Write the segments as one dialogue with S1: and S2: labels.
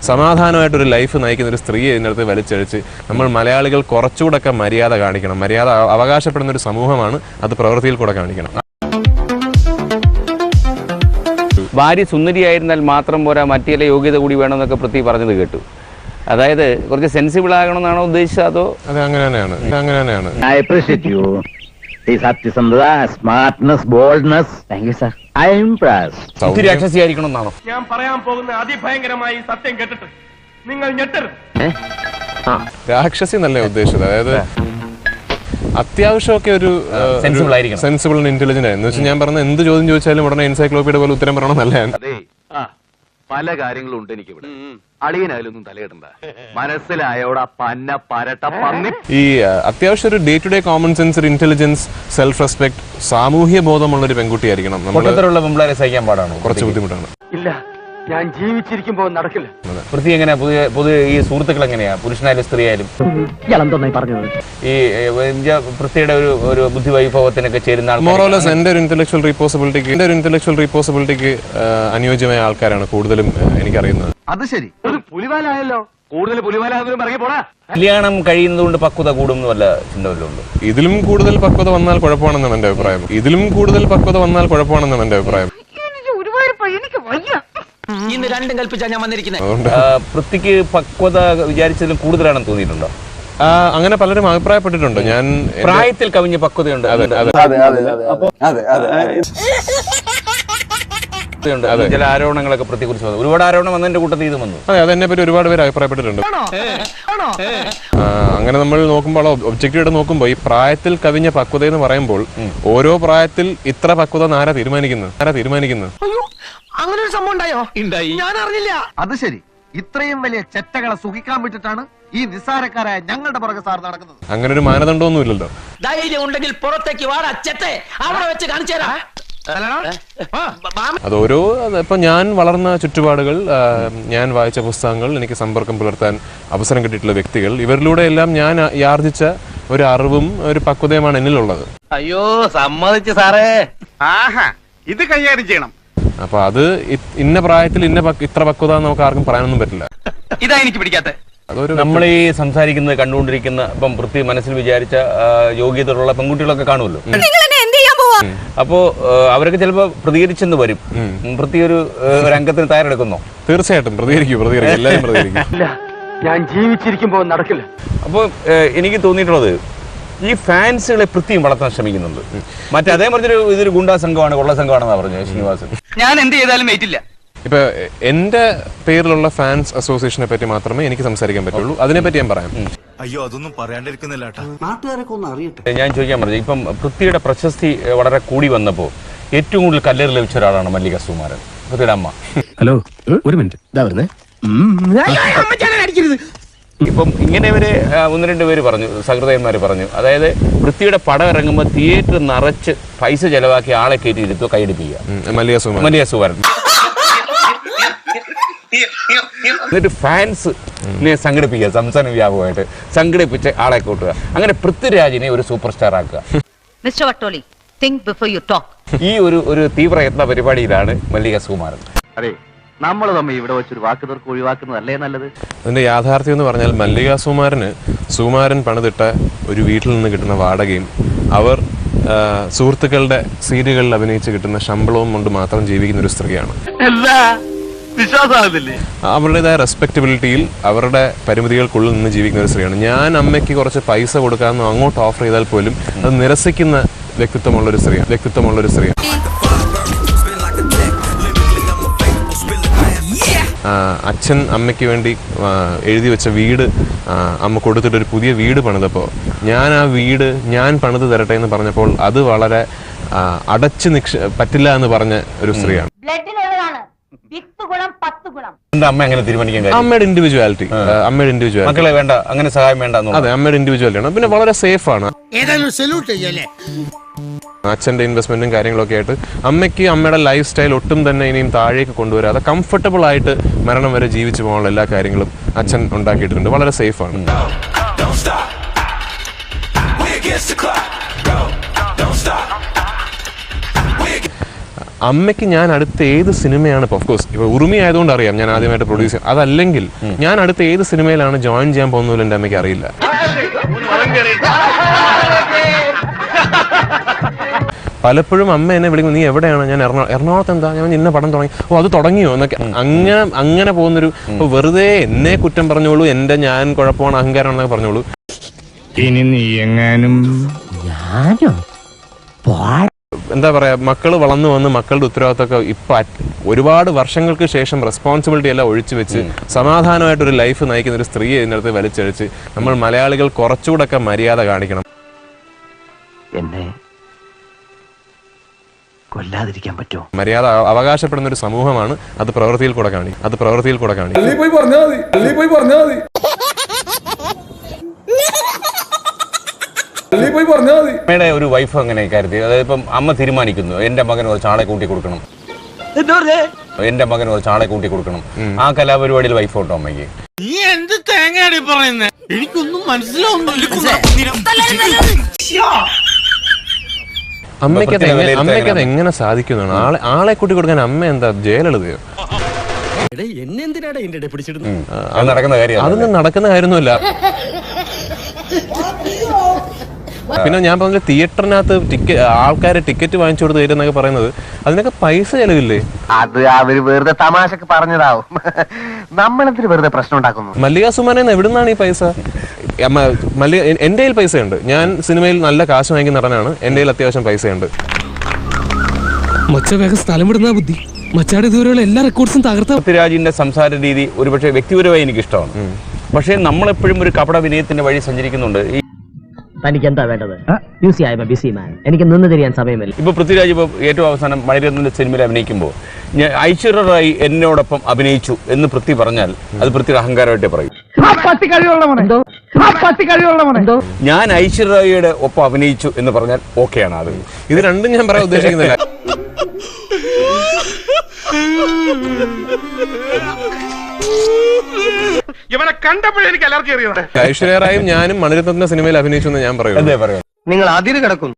S1: സമാധാനമായിട്ടൊരു life നയിക്കുന്ന ഒരു സ്ത്രീയെ ഇതിനകത്ത് വലിച്ചഴിച്ച് നമ്മൾ മലയാളികൾ കുറച്ചുകൂടെ മര്യാദ കാണിക്കണം. മര്യാദ അവകാശപ്പെടുന്ന ഒരു സമൂഹമാണ്, അത് പ്രവൃത്തിയിൽ കൂടെ കാണിക്കണം.
S2: ഭാര്യ സുന്ദരിയായിരുന്നാൽ മാത്രം പോരാ, മറ്റു ചില യോഗ്യത കൂടി വേണമെന്നൊക്കെ പൃഥ്വി പറഞ്ഞത് കേട്ടു. അതായത് കുറച്ച് സെൻസിബിൾ ആകണമെന്നാണോ ഉദ്ദേശിച്ചത്? അതോ
S1: അത് അങ്ങനെ തന്നെയാണ്.
S3: സത്യസന്ധത, smartness, boldness. Thank you sir. I'm impressed.
S2: രാക്ഷസിയായിരിക്കണം എന്നാണോ?
S4: ഞാൻ പറയാൻ പോകുന്ന അതിഭയങ്കരമായി സത്യം കേട്ടിട്ട് നിങ്ങൾ ഞെട്ടരുത്.
S1: രാക്ഷസി എന്നല്ലേ ഉദ്ദേശിച്ചത്. അതായത് അത്യാവശ്യമൊക്കെ ഒരു സെൻസിബിൾ ആൻഡ് ഇന്റലിജന്റ് ആയിരുന്നു. ഞാൻ പറഞ്ഞ എന്ത് ചോദ്യം ചോദിച്ചാലും ഉടനെ എൻസൈക്ലോപ്പീഡിയ പോലെ ഉത്തരം പറയണം നല്ലതാണ്.
S5: പല കാര്യങ്ങളും ഉണ്ട് എനിക്ക് ഇവിടെ. അളിയനായാലൊന്നും തലയിടണ്ട. മനസ്സിലായോടാ പന്ന പരട്ട പന്നി.
S1: ഈ അത്യാവശ്യം ഒരു day to day common sense, ഒരു ഇന്റലിജൻസ്, സെൽഫ് റെസ്പെക്ട്, സാമൂഹ്യ ബോധമുള്ള ഒരു പെൺകുട്ടിയായിരിക്കണം.
S2: പെൺപിള്ളേരെ സഹിക്കാൻ പാടാണോ?
S1: കുറച്ച് ബുദ്ധിമുട്ടാണ്.
S4: ഇല്ല, ഞാൻ ജീവിച്ചിരിക്കുമ്പോ നടക്കില്ല.
S2: പൃഥ്വി എങ്ങനെയാ പുതിയ ഈ സുഹൃത്തുക്കൾ എങ്ങനെയാ, പുരുഷനായാലും സ്ത്രീ ആയാലും? ഈ പൃഥ്വിയുടെ ഒരു ബുദ്ധി വൈഭവത്തിനൊക്കെ ചേരുന്ന
S1: മോറോലെസ് എന്റെ ഒരു ഇന്റലക്ച്വൽ റീപോസിബിലിറ്റിക്ക് അനുയോജ്യമായ ആൾക്കാരാണ് കൂടുതലും എനിക്കറിയുന്നത്.
S5: അത് ശരി, ഒരു പുലിവാലായല്ലോ. കൂടുതൽ പുലിവാലാകുന്നതിനും ഇറങ്ങി പോടാ.
S2: കല്യാണം കഴിയുന്നത് കൊണ്ട് പക്വത കൂടും വല്ല ചിന്ത വല്ലതും ഉണ്ടോ?
S1: ഇതിലും കൂടുതൽ പക്വത വന്നാൽ കുഴപ്പമാണെന്നാണ് എന്റെ അഭിപ്രായം.
S6: ഇന്ന് രണ്ടും കൽപ്പിച്ചാ ഞാൻ വന്നിരിക്കുന്നത്.
S2: പൃഥ്വിക്ക് പക്വത വിചാരിച്ചതിലും കൂടുതലാണെന്ന് തോന്നിയിട്ടുണ്ടോ?
S1: അങ്ങനെ പലരും അഭിപ്രായപ്പെട്ടിട്ടുണ്ട്. ഞാൻ
S2: പ്രായത്തിൽ കവിഞ്ഞ പക്വതയുണ്ട്. ചില ആരോപണങ്ങളൊക്കെ പൃഥ്വിയെ കുറിച്ച് വന്നു. ഒരുപാട് ആരോപണം വന്നതിന്റെ കൂട്ടത്തിൽ ഇത് വന്നു.
S1: അതെ, അതെന്നെ പറ്റി ഒരുപാട് പേര് അഭിപ്രായപ്പെട്ടിട്ടുണ്ട്. അങ്ങനെ നമ്മൾ നോക്കുമ്പോൾ, ഒബ്ജക്റ്റീവായിട്ട് നോക്കുമ്പോൾ, ഈ പ്രായത്തിൽ കവിഞ്ഞ പക്വത എന്ന് പറയുമ്പോൾ ഓരോ പ്രായത്തിൽ ഇത്ര പക്വത ആരാ തീരുമാനിക്കുന്നത്?
S6: അങ്ങനെ ഒരു സംഭവം ഉണ്ടായോ? ഞാൻ അറിഞ്ഞില്ല.
S5: അത് ശരി, ഇത്രയും വലിയ ചെറ്റകളെ സുഖിക്കാൻ വിട്ടിട്ടാണ് ഈ നിസ്സാരക്കാരായ ഞങ്ങളുടെ പുറകെ സാർ നടക്കുന്നത്.
S1: അങ്ങനെ ഒരു മാനദണ്ഡമൊന്നും ഇല്ലല്ലോ.
S6: ധൈര്യം ഉണ്ടെങ്കിൽ പുറത്തേക്ക് വാടാ ചെത്തെ, അവിടെ വെച്ച് കാണിച്ചു തരാം.
S1: അതോരോ ഇപ്പൊ ഞാൻ വളർന്ന ചുറ്റുപാടുകൾ, ഞാൻ വായിച്ച പുസ്തകങ്ങൾ, എനിക്ക് സമ്പർക്കം പുലർത്താൻ അവസരം കിട്ടിയിട്ടുള്ള വ്യക്തികൾ, ഇവരിലൂടെ എല്ലാം ഞാൻ ആർജിച്ച ഒരു അറിവും ഒരു പക്വതയുമാണ് എന്നിലുള്ളത്.
S5: അയ്യോ സമ്മതിച്ചു സാറേ. ആഹാ, ഇത് കൈകാര്യം ചെയ്യണം.
S1: അപ്പൊ അത് ഇന്ന പ്രായത്തിൽ ഇത്ര പക്വത നമുക്ക് ആർക്കും പറയാനൊന്നും പറ്റില്ല.
S5: ഇതാ എനിക്ക് പിടിക്കാത്ത.
S2: നമ്മൾ ഈ സംസാരിക്കുന്നത് കണ്ടുകൊണ്ടിരിക്കുന്ന ഇപ്പം പൃഥ്വി മനസ്സിൽ വിചാരിച്ച യോഗ്യതയുള്ള പെൺകുട്ടികളൊക്കെ കാണുമല്ലോ. അപ്പോ അവരൊക്കെ ചിലപ്പോ പ്രതികരിച്ചെന്ന് വരും. പൃഥ്വി ഒരു രംഗത്തിന് തയ്യാറെടുക്കുന്നോ?
S1: തീർച്ചയായിട്ടും പ്രതികരിക്കും. എല്ലാവരും പ്രതികരിക്കും.
S4: ഞാൻ ജീവിച്ചിരിക്കുമ്പോ നടക്കില്ല.
S2: അപ്പൊ എനിക്ക് തോന്നിയിട്ടുള്ളത് ഈ ഫാൻസുകളെ പൃഥ്വിയും വളർത്താൻ ശ്രമിക്കുന്നുണ്ട്. മറ്റേ അതേ മറിച്ചൊരു ഇതൊരു ഗുണ്ടാ സംഘമാണ്, കൊള്ള സംഘമാണെന്നാ പറഞ്ഞു ശ്രീനിവാസൻ.
S5: ഞാൻ എന്ത് ചെയ്താലും വെയിറ്റില്ല.
S1: ഇപ്പൊ എന്റെ പേരിലുള്ള ഫാൻസ് അസോസിയേഷനെ പറ്റി മാത്രമേ എനിക്ക് സംസാരിക്കാൻ പറ്റുള്ളൂ. അതിനെപ്പറ്റി ഞാൻ പറയാം.
S7: അയ്യോ, അതൊന്നും പറയാണ്ടിരിക്കുന്നില്ല. നാട്ടുകാരൊക്കെ ഒന്ന് അറിയട്ടെ.
S2: ഞാൻ ചോദിക്കാൻ പറഞ്ഞു, ഇപ്പം പൃഥ്വിയുടെ പ്രശസ്തി വളരെ കൂടി വന്നപ്പോൾ ഏറ്റവും കൂടുതൽ കല്ലേറ് ലഭിച്ച ഒരാളാണ് മല്ലിക സുകുമാരൻ, പൃഥ്വിയുടെ അമ്മ.
S8: ഹലോ, ഒരു മിനിറ്റ്.
S2: ഇപ്പം ഇങ്ങനെ ഇവര് ഒന്ന് രണ്ട് പേര് പറഞ്ഞു, സഹൃദയന്മാര് പറഞ്ഞു, അതായത് പൃഥ്വിയുടെ പടം ഇറങ്ങുമ്പോൾ തിയേറ്റർ നിറച്ച് പൈസ ചെലവാക്കി ആളെ കയറ്റി ഇരുത്തുക, കൈയടിപ്പിക്കുക. മല്ലിക സുകുമാരൻ എന്നിട്ട് ഫാൻസിനെ സംഘടിപ്പിക്കുക, സംസ്ഥാന വ്യാപകമായിട്ട് സംഘടിപ്പിച്ച് ആളെ കൂട്ടുക. അങ്ങനെ പൃഥ്വിരാജിനെ ഒരു സൂപ്പർ സ്റ്റാർ ആക്കുക. ഈ ഒരു തീവ്രയത്ന പരിപാടിയിലാണ് മല്ലിക സുകുമാരൻ.
S5: അതെ, നമ്മൾ തമ്മിൽ ഇവിടെ വെച്ചൊരു വാക്ക് തീർക്ക് ഒഴിവാക്കുന്നതല്ലേ നല്ലത്.
S1: അതിന്റെ യാഥാർത്ഥ്യം എന്ന് പറഞ്ഞാൽ മല്ലിക സുകുമാരൻ പണിതിട്ട ഒരു വീട്ടിൽ നിന്ന് കിട്ടുന്ന വാടകയും അവർ സുഹൃത്തുക്കളുടെ സീരിയലുകളിൽ അഭിനയിച്ച് കിട്ടുന്ന ശമ്പളവും കൊണ്ട് മാത്രം ജീവിക്കുന്ന ഒരു സ്ത്രീയാണ്. അവരുടേതായ റെസ്പെക്ടബിലിറ്റിയിൽ അവരുടെ പരിമിതികൾക്കുള്ളിൽ നിന്ന് ജീവിക്കുന്ന ഒരു സ്ത്രീയാണ്. ഞാൻ അമ്മയ്ക്ക് കുറച്ച് പൈസ കൊടുക്കാമെന്ന് അങ്ങോട്ട് ഓഫർ ചെയ്താൽ പോലും അത് നിരസിക്കുന്ന വ്യക്തിത്വമുള്ളൊരു സ്ത്രീയാണ്. അച്ഛൻ അമ്മയ്ക്ക് വേണ്ടി എഴുതി വെച്ച വീട് അമ്മ കൊടുത്തിട്ട് ഒരു പുതിയ വീട് പണിതപ്പോൾ ഞാൻ ആ വീട് ഞാൻ പണിത് തരട്ടെ എന്ന് പറഞ്ഞപ്പോൾ അത് വളരെ അടച്ചു പറ്റില്ല എന്ന് പറഞ്ഞ ഒരു സ്ത്രീയാണ്. അമ്മയുടെ ഇൻഡിവിജ്വാലിറ്റി
S2: മക്കളെ വേണ്ട, അങ്ങനെ സഹായം വേണ്ട.
S1: അതെ, അമ്മയുടെ ഇൻഡിവിജ്വാലിറ്റി ആണ്. പിന്നെ വളരെ സേഫ് ആണ്. അച്ഛൻ്റെ ഇൻവെസ്റ്റ്മെന്റും കാര്യങ്ങളൊക്കെ ആയിട്ട് അമ്മയ്ക്ക് അമ്മയുടെ ലൈഫ് സ്റ്റൈൽ ഒട്ടും തന്നെ ഇനിയും താഴേക്ക് കൊണ്ടുവരാതെ കംഫർട്ടബിൾ ആയിട്ട് മരണം വരെ ജീവിച്ചു പോകാനുള്ള എല്ലാ കാര്യങ്ങളും അച്ഛൻ ഉണ്ടാക്കിയിട്ടുണ്ട്. വളരെ സേഫ് ആണ്. അമ്മയ്ക്ക് ഞാൻ അടുത്ത ഏത് സിനിമയാണ് ഇപ്പോൾ ഓഫ്കോഴ്സ് ഇപ്പോൾ ഉറുമി ആയതുകൊണ്ട് അറിയാം ഞാൻ ആദ്യമായിട്ട് പ്രൊഡ്യൂസ് ചെയ്യാം, അതല്ലെങ്കിൽ ഞാൻ അടുത്ത ഏത് സിനിമയിലാണ് ജോയിൻ ചെയ്യാൻ പോകുന്നതിൽ എൻ്റെ അമ്മയ്ക്ക് അറിയില്ല. പലപ്പോഴും അമ്മ എന്നെ വിളിക്കും, നീ എവിടെയാണ്? ഞാൻ എറണാകുളത്ത്. എന്താ? ഞാൻ ഇന്ന പടം തുടങ്ങി. ഓ, അത് തുടങ്ങിയോ എന്നൊക്കെ അങ്ങനെ പോകുന്നൊരു, ഇപ്പോൾ വെറുതെ എന്നെ കുറ്റം പറഞ്ഞോളൂ, എൻ്റെ ഞാൻ കുഴപ്പമാണ് അഹങ്കാരമാണെന്നൊക്കെ പറഞ്ഞോളൂ.
S8: ഇനി നീ എങ്ങാനും
S1: എന്താ പറയാ, മക്കൾ വളർന്നു വന്ന് മക്കളുടെ ഉത്തരവാദിത്തമൊക്കെ ഇപ്പൊ ഒരുപാട് വർഷങ്ങൾക്ക് ശേഷം റെസ്പോൺസിബിലിറ്റി എല്ലാം ഒഴിച്ചു വെച്ച് സമാധാനമായിട്ടൊരു ലൈഫ് നയിക്കുന്ന ഒരു സ്ത്രീയെ ഇതിനകത്ത് വലിച്ചഴിച്ച് നമ്മൾ മലയാളികൾ കുറച്ചുകൂടെ മര്യാദ കാണിക്കണം.
S3: എന്നെ കൊല്ലാതിരിക്കാൻ പറ്റുമോ?
S1: മര്യാദ അവകാശപ്പെടുന്ന ഒരു സമൂഹമാണ്. അത് പ്രവൃത്തിയിൽ കൂടെ കാണിക്കും.
S2: അമ്മയുടെ ഒരു വൈഫ് അങ്ങനെ കരുതി, അതായത് ഇപ്പം അമ്മ തീരുമാനിക്കുന്നു എന്റെ മകൻ ഒരു ചാളെ കൂട്ടി കൊടുക്കണം, എന്റെ മകൻ ഒരു ചാളെ കൂട്ടി കൊടുക്കണം, ആ കലാപരിപാടിയിൽ വൈഫ് ഉണ്ടോ അമ്മയ്ക്ക്?
S6: നീ എന്ത് തേങ്ങയാണ് പറയുന്നത്? എനിക്കൊന്നും മനസ്സിലാവുന്നില്ല.
S1: അമ്മയ്ക്കത് എങ്ങനെ സാധിക്കുന്നതാണ്? ആളെ കൂട്ടി കൊടുക്കാൻ അമ്മ എന്താ ജയിലെഴുതിയോ? അതൊന്നും നടക്കുന്ന കാര്യമൊന്നുമില്ല. പിന്നെ ഞാൻ പറഞ്ഞ തിയേറ്ററിനകത്ത് ആൾക്കാരെ ടിക്കറ്റ് വാങ്ങിച്ചു കൊടുത്ത് തരുന്നൊക്കെ പറയുന്നത്, അതിനൊക്കെ പൈസ ചെലവില്ലേ?
S3: അത് അവര് വെറുതെ തമാശക്ക് പറഞ്ഞതാവും. നമ്മളെന്തിന് വെറുതെ പ്രശ്നം ഉണ്ടാക്കുന്നു?
S1: മല്ലിക സുമാനെന്ന് എവിടുന്നാണ് ഈ പൈസ? എന്റെ കയ്യിൽ പൈസയുണ്ട്. ഞാൻ സിനിമയിൽ നല്ല കാശ് വാങ്ങിക്കുന്ന നടനാണ്. എന്റെ കയ്യിൽ അത്യാവശ്യം പൈസയുണ്ട്.
S9: മച്ച വേഗം സ്ഥലം വിടുന്ന ബുദ്ധി. മച്ചാട് ഇതുവരെയുള്ള എല്ലാ റെക്കോർഡ്സും തകർത്ത
S2: പൃഥ്വിരാജിന്റെ സംസാര രീതി ഒരുപക്ഷെ വ്യക്തിപരമായി എനിക്ക് ഇഷ്ടമാണ്. പക്ഷേ നമ്മളെപ്പോഴും ഒരു കപട വിനയത്തിന്റെ വഴി സഞ്ചരിക്കുന്നുണ്ട്.
S3: തനിക്ക് എന്താ വേണ്ടത്? ബിസി മാൻ, എനിക്ക് നിന്ന് തിരിയാൻ സമയമില്ല.
S2: ഇപ്പൊ പൃഥ്വിരാജ് ഇപ്പൊ ഏറ്റവും അവസാനം മണിരത്നത്തിന്റെ സിനിമയിൽ അഭിനയിക്കുമ്പോൾ ഐശ്വര്യ റായി എന്നോടൊപ്പം അഭിനയിച്ചു എന്ന് പൃഥ്വി പറഞ്ഞാൽ അത് പൃഥ്വിയുടെ അഹങ്കാരമായിട്ടേ പറയും. ഞാൻ ഐശ്വര്യ റായിയുടെ ഒപ്പം അഭിനയിച്ചു എന്ന് പറഞ്ഞാൽ ഓക്കെയാണ്. അത്
S1: ഇത് രണ്ടും ഞാൻ പറയാൻ ഉദ്ദേശിക്കുന്നില്ല.
S4: ഇവനെ കണ്ടപ്പോഴേ എനിക്ക് അലർജി അറിയാം.
S1: ഐശ്വര്യ റായും ഞാനും മണിരത്നത്തിന്റെ സിനിമയിൽ അഭിനയിച്ചു എന്ന് ഞാൻ പറയുള്ളൂ.
S3: നിങ്ങൾ അതിര് കിടക്കുന്നു.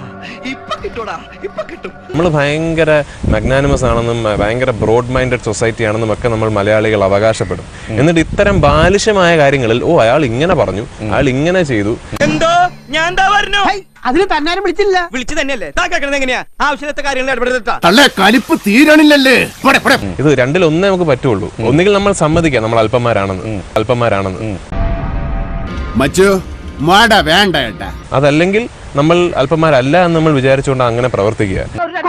S1: നമ്മൾ ഭയങ്കര മഗ്നാനിമസ് ആണെന്നും ഭയങ്കര ബ്രോഡ് മൈൻഡഡ് സൊസൈറ്റി ആണെന്നും ഒക്കെ നമ്മൾ മലയാളികൾ അവകാശപ്പെടും. എന്നിട്ട് ഇത്തരം ബാലിശമായ കാര്യങ്ങളിൽ അയാൾ ഇങ്ങനെ പറഞ്ഞു, അയാൾ ഇങ്ങനെ ചെയ്തു,
S6: എന്തോ ഞാൻ പറഞ്ഞു അതിന് തന്നാരും വിളിച്ചില്ല. വിളിച്ചു തന്നെയല്ലേ എങ്ങനെയാ ആവശ്യത്തെ കാര്യങ്ങൾ ഇടപെടുത്താ
S7: തീരണില്ലല്ലേ?
S1: ഇത് രണ്ടിലൊന്നേ നമുക്ക് പറ്റുള്ളൂ. ഒന്നുകിൽ നമ്മൾ സമ്മതിക്കാം നമ്മൾ അല്പന്മാരാണെന്ന്, അതല്ലെങ്കിൽ നമ്മൾ അല്പന്മാരല്ല എന്ന് നമ്മൾ വിചാരിച്ചുകൊണ്ട് അങ്ങനെ പ്രവർത്തിക്കുക.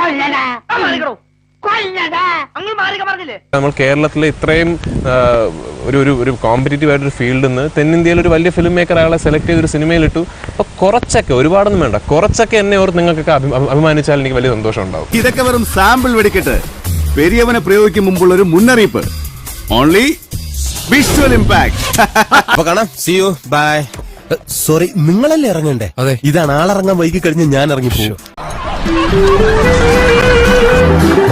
S1: നമ്മൾ കേരളത്തിലെ ഇത്രയും ഒരു കോമ്പറ്റീറ്റീവ് ആയിട്ടൊരു ഫീൽഡിൽ നിന്ന് തെന്നിന്ത്യയിൽ ഒരു വലിയ ഫിലിം മേക്കർ അയാളെ സെലക്ട് ചെയ്തൊരു സിനിമയിലിട്ടു. അപ്പൊ കുറച്ചൊക്കെ, ഒരുപാടൊന്നും വേണ്ട, കുറച്ചൊക്കെ എന്നെ ഓർത്ത് നിങ്ങൾക്കൊക്കെ അഭിമാനിച്ചാൽ എനിക്ക് വലിയ സന്തോഷം ഉണ്ടാവും.
S7: ഇതൊക്കെ വെറും സാമ്പിൾ വെടിക്കെട്ട്. പെരിയവനെ പ്രയോഗിക്കും മുമ്പുള്ള ഒരു മുന്നറിയിപ്പ്. Only visual impact.
S10: കാണാം. See you. ബൈ. സോറി, നിങ്ങളല്ലേ ഇറങ്ങണ്ടേ? അതെ, ഇതാണ് ആളിറങ്ങാൻ വൈകി കഴിഞ്ഞ് ഞാൻ ഇറങ്ങിപ്പോകും.